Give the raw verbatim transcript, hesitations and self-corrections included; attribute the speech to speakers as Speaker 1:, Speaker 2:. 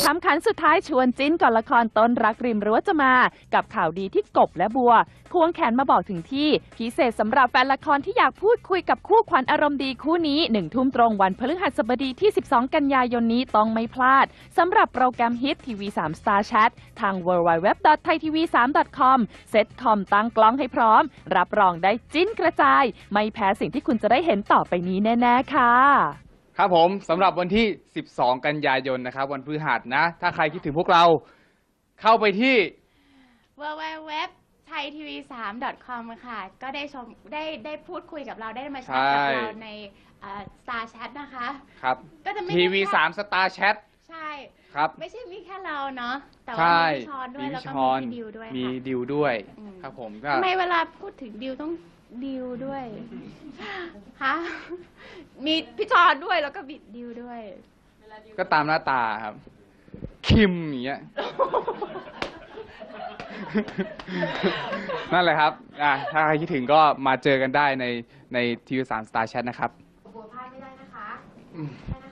Speaker 1: คำขันสุดท้ายชวนจิ้นก่อนละครต้นรักริมรั้วจะมากับข่าวดีที่กบและบัวควงแขนมาบอกถึงที่พิเศษสำหรับแฟนละครที่อยากพูดคุยกับคู่ขวัญอารมณ์ดีคู่นี้หนึ่งทุ่มตรงวันพฤหัสบดีที่สิบสองกันยายนนี้ต้องไม่พลาดสำหรับโปรแกรมฮิตทีวีสาม Star Chat ทาง ดับเบิลยู ดับเบิลยู ดับเบิลยู ดอท ไทยทีวีสาม ดอท คอม เซ็ตคอมตั้งกล้องให้พร้อมรับรองได้จิ้นกระจายไม่แพ้สิ่งที่คุณจะได้เห็นต่อไปนี้แน่ๆค่ะ
Speaker 2: ครับผมสำหรับวันที่สิบสองกันยายนนะครับวันพฤหัสนะถ้าใครคิดถึงพวกเราเข้าไปที่
Speaker 3: ดับเบิลยู ดับเบิลยู ดับเบิลยู ดอท ไทยทีวีสาม ดอท คอม ค่ะก็ได้ชมได้ได้พูดคุยกับเราได้มาแชทกับเราใน Star Chat นะคะ
Speaker 2: ครับ
Speaker 3: ก็จะไม่
Speaker 2: ทีวีสาม Star Chat
Speaker 3: ใช่
Speaker 2: ครับ
Speaker 3: ไม่ใช่มีแค่เราเนาะแต่ว่า
Speaker 2: ใช่
Speaker 3: มีพี่ชอนด้วยแล้วก็มีดิวด้วย
Speaker 2: มี
Speaker 3: ค่ะ
Speaker 2: ดิวด้วยครับผมก็
Speaker 3: ทำไมเวลาพูดถึงดิวต้องดิวด้วยฮะมีพี่ชอนด้วยแล้วก็บิดดิวด้วย
Speaker 2: ก็ตามหน้าตาครับคิมอย่างเงี้ย นั่นแหละครับอ่ะถ้าใครคิดถึงก็มาเจอกันได้ในในทีวีสาม Star Chat นะครับ
Speaker 3: บัวพลาดไม่ได้นะคะ